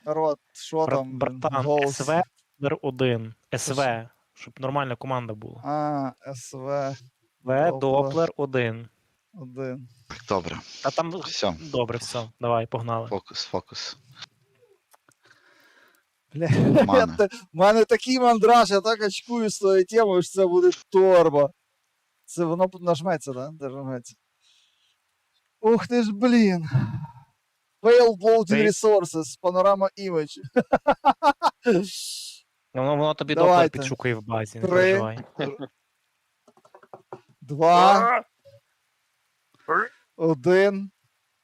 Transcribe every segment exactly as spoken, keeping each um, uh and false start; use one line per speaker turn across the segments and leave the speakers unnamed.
Народ, що
Брат,
там?
братан,
Голос.
СВ номер один.
Що
СВ, щоб нормальна команда була.
А, СВ
В,
Доплер
Доплер один.
один.
Так, добре.
А там
Все.
добре, все. Давай, погнали.
Фокус, фокус.
Бля,
Мани.
в мене такий мандраж, я так очкую з тою темою, що це буде торба. Це воно нажметься, да? Де нажметься. Ух ти ж, блін. Failed loading
Ти-
resources, panorama image.
Воно, воно тобі
Давайте.
Доплер підшукає в базі, не
Три.
переживай.
Два. Один.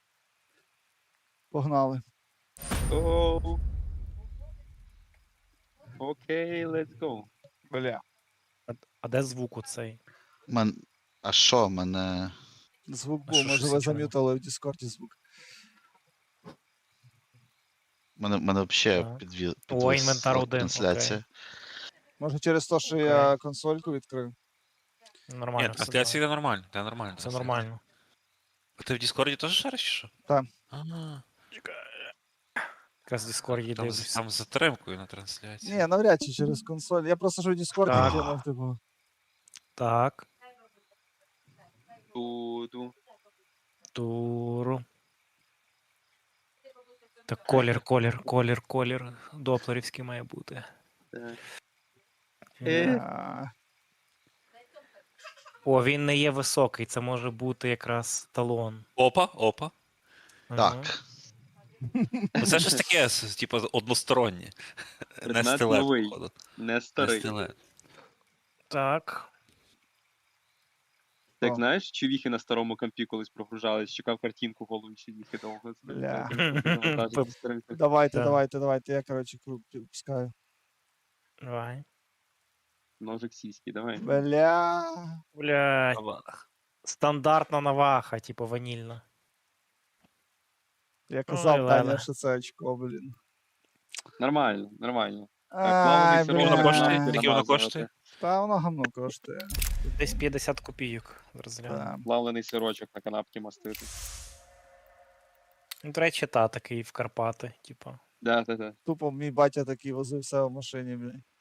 Погнали.
Оу. Окей, let's go.
Бля.
А, а де звук оцей?
Мен... А що, мене.
Звук
А
був,
що,
може
щось
ви
нічого не-
зам'ютали в Діскорді звук.
Мене, мене взагалі
Так.
підвів.
О, інвентар один,
трансляція.
Може через те, що
Окей.
я консольку відкрив.
Нормально.
Ні,
все,
трансляція
давай.
йде нормально, це нормально.
Все
трансляція.
нормально.
А ти в Діскорді теж шариш чи що?
Так.
Ага.
Якраз в Діскорді
Там, з-
дивлюсь.
там з затримкою на трансляції.
Ні, навряд чи через консоль. Я просто що в Діскорді
Так.
кинув, типу.
Так.
Ту-ду.
Туру. Так, колір, колір, колір, колір. Доплерівський має бути.
Так.
Е.
А,
О, він не є високий, це може бути якраз талон.
Опа, опа.
Ага.
Так.
Ну, Це щось таке, с- типу, одностороннє. Не
Предмет
стилет,
новий.
походу.
Не
Не
старий.
стилет.
Так.
Так
О.
знаєш, чувіхи на старому компі колись прогружались, чекав картинку в голові чувіхи довго. Це-
Бля.
це- це завантажити старенько.
Давайте,
Так.
давайте, давайте. Я, коротше, круг пускаю.
Давай.
Ножик сіськи, давай.
Бля.
Блядь. Стандартна наваха, типу ванільна.
Я казав,
Ой,
Таня,
Леле.
що це очко, блін.
Нормально, нормально.
Ай,
плаваний сироп
Скільки воно
бля.
коштує?
намазувати.
Скільки воно коштує?
Та воно гамно коштує.
Десь п'ятдесят копійок. Розгляну.
Та.
Плавлений сирочок на канапки мастити.
Ну, до речі, та такий в Карпати, типу.
Да, да, да.
Тупо мій батя такий возив все в машині, блін.